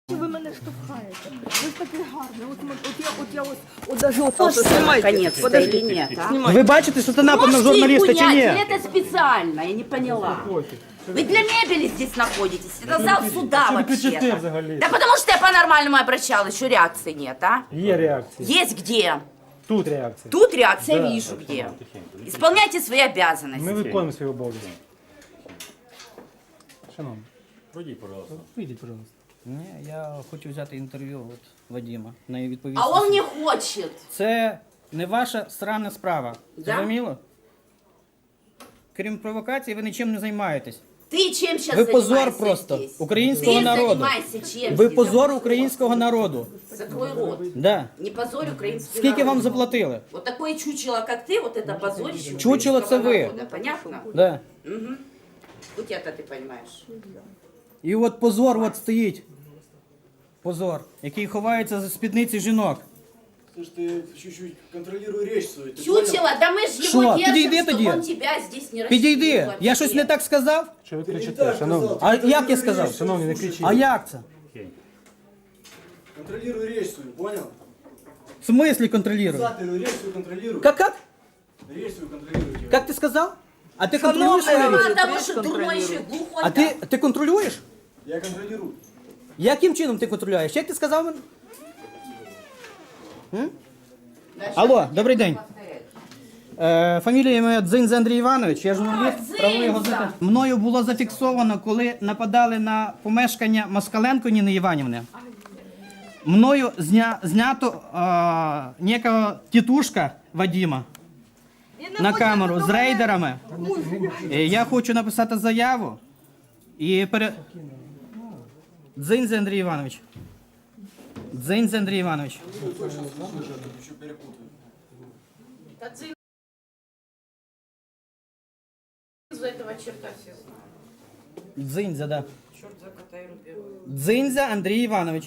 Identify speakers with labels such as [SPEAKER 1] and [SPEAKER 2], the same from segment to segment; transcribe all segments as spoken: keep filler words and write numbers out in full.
[SPEAKER 1] Ви мене штовхаєте. Ви ж такий гарний. От, ми- от я, от я ось, от даже от ось знімайте.
[SPEAKER 2] Наконец-то или нет, а?
[SPEAKER 3] Ви бачите, що це напад на
[SPEAKER 2] Можете их
[SPEAKER 3] журналіста чи
[SPEAKER 2] унять,
[SPEAKER 3] ні?
[SPEAKER 2] или это специально? Я не поняла. Вы для мебели здесь находитесь. Это зал суда вообще-то. Да потому что я по-нормальному обращалась, еще реакции нет, а?
[SPEAKER 3] Є реакція.
[SPEAKER 2] Есть где?
[SPEAKER 3] Тут реакція.
[SPEAKER 2] Тут реакция вижу где. Исполняйте свои обязанности.
[SPEAKER 3] Ми виконуємо свої обов'язки. Шановні,
[SPEAKER 4] Пройдіть, пожалуйста.
[SPEAKER 3] вийдіть, пожалуйста.
[SPEAKER 5] Ні, я хочу взяти інтерв'ю от Вадима. На її відповісти.
[SPEAKER 2] А он не хочет.
[SPEAKER 5] Це не ваша срана справа.
[SPEAKER 2] Да?
[SPEAKER 5] Зрозуміло? Крім провокації, ви нічим не займаєтесь.
[SPEAKER 2] Ты чем сейчас
[SPEAKER 5] Ви позор
[SPEAKER 2] занимаешься
[SPEAKER 5] просто
[SPEAKER 2] здесь?
[SPEAKER 5] українського
[SPEAKER 2] Ты
[SPEAKER 5] народу.
[SPEAKER 2] занимайся чем
[SPEAKER 5] Ви
[SPEAKER 2] здесь?
[SPEAKER 5] позор українського народу.
[SPEAKER 2] Закрой рот.
[SPEAKER 5] Да.
[SPEAKER 2] Не позорь украинский
[SPEAKER 5] Скільки
[SPEAKER 2] народ.
[SPEAKER 5] вам заплатили?
[SPEAKER 2] Вот такое чучело, как ты, вот это позорище
[SPEAKER 5] Чучело
[SPEAKER 2] украинского
[SPEAKER 5] це ви.
[SPEAKER 2] народа. Понятно?
[SPEAKER 5] Да.
[SPEAKER 2] Хоть это ты понимаешь.
[SPEAKER 5] І от позор от стоїть. Позор, який ховається за спідниці жінок.
[SPEAKER 6] Слушай, ты чуть-чуть контролируй речь свою. Ты
[SPEAKER 2] Чучело, да мы ж его
[SPEAKER 5] Шо?
[SPEAKER 2] держим,
[SPEAKER 5] Підійди
[SPEAKER 2] чтобы
[SPEAKER 5] тоді.
[SPEAKER 2] он тебя здесь не
[SPEAKER 5] Підійди.
[SPEAKER 2] расчленил
[SPEAKER 5] Я щось не так сказав?
[SPEAKER 3] Що ви
[SPEAKER 6] понял? Не
[SPEAKER 3] кричите,
[SPEAKER 6] так
[SPEAKER 3] шановні?
[SPEAKER 6] сказал.
[SPEAKER 5] А
[SPEAKER 6] Ты
[SPEAKER 5] як я
[SPEAKER 6] контролируй
[SPEAKER 5] сказав?
[SPEAKER 6] речь
[SPEAKER 3] Шановні, не
[SPEAKER 6] свою.
[SPEAKER 3] кричіть.
[SPEAKER 5] А як це?
[SPEAKER 6] Контролируй речь свою, понял?
[SPEAKER 5] В смислі контролюю?
[SPEAKER 6] Ты речь свою контролируй.
[SPEAKER 5] Как, как?
[SPEAKER 6] Речь свою контролируй.
[SPEAKER 5] Как ты сказал? А ты контролюешь свою
[SPEAKER 2] Мало
[SPEAKER 5] речь?
[SPEAKER 2] того, что дурной еще и глухой.
[SPEAKER 5] А ти, ти контролюєш?
[SPEAKER 6] Я контролирую.
[SPEAKER 5] Яким чином ти контролюєш? Як ти сказав мені?
[SPEAKER 2] Да,
[SPEAKER 5] Алло, добрий день. Е, фамілія моя Дзинза Андрій Іванович, я
[SPEAKER 2] А,
[SPEAKER 5] журналіст
[SPEAKER 2] Дзинза!
[SPEAKER 5] правової газети. Мною було зафіксовано, коли нападали на помешкання Москаленко Ніни Іванівни. Мною зня, знято е, некого тітушка Вадима на камеру з рейдерами. Е, Я хочу написати заяву і пере... Дзинза Андрій Іванович. Дзинза Андрій Іванович.
[SPEAKER 6] Еще перепутаю.
[SPEAKER 2] За этого черта все знают.
[SPEAKER 5] Дзинза, да.
[SPEAKER 2] Черт за кота и рубероид.
[SPEAKER 5] Дзинза Андрій Іванович.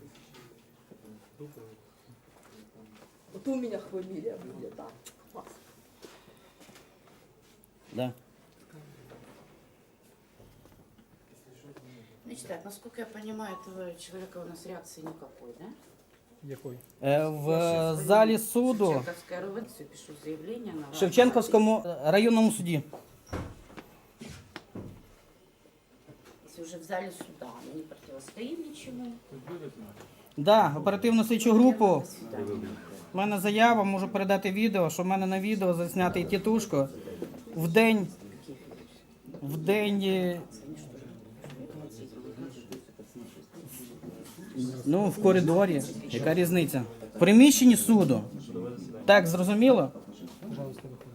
[SPEAKER 1] От у мене фамілія буде, так? Клас.
[SPEAKER 5] Да.
[SPEAKER 2] Значит так, насколько я понимаю, этого человека у нас реакции никакой, да?
[SPEAKER 3] Якої?
[SPEAKER 5] Е, В залі суду
[SPEAKER 2] Шевченковская РУВД, пишу заявление на
[SPEAKER 5] в
[SPEAKER 2] вас.
[SPEAKER 5] Шевченківському районному суді.
[SPEAKER 2] Если уже в зале суда, мы не противостоим ничему.
[SPEAKER 5] Да, оперативну слідчу групу.
[SPEAKER 2] До свидания.
[SPEAKER 5] У мене заява, можу передати відео, що в мене на відео заснятий тітушко в день, в день, е, ну, в коридорі. Яка різниця? В приміщенні суду. Так, зрозуміло?
[SPEAKER 3] Пожалуйста, виходьте.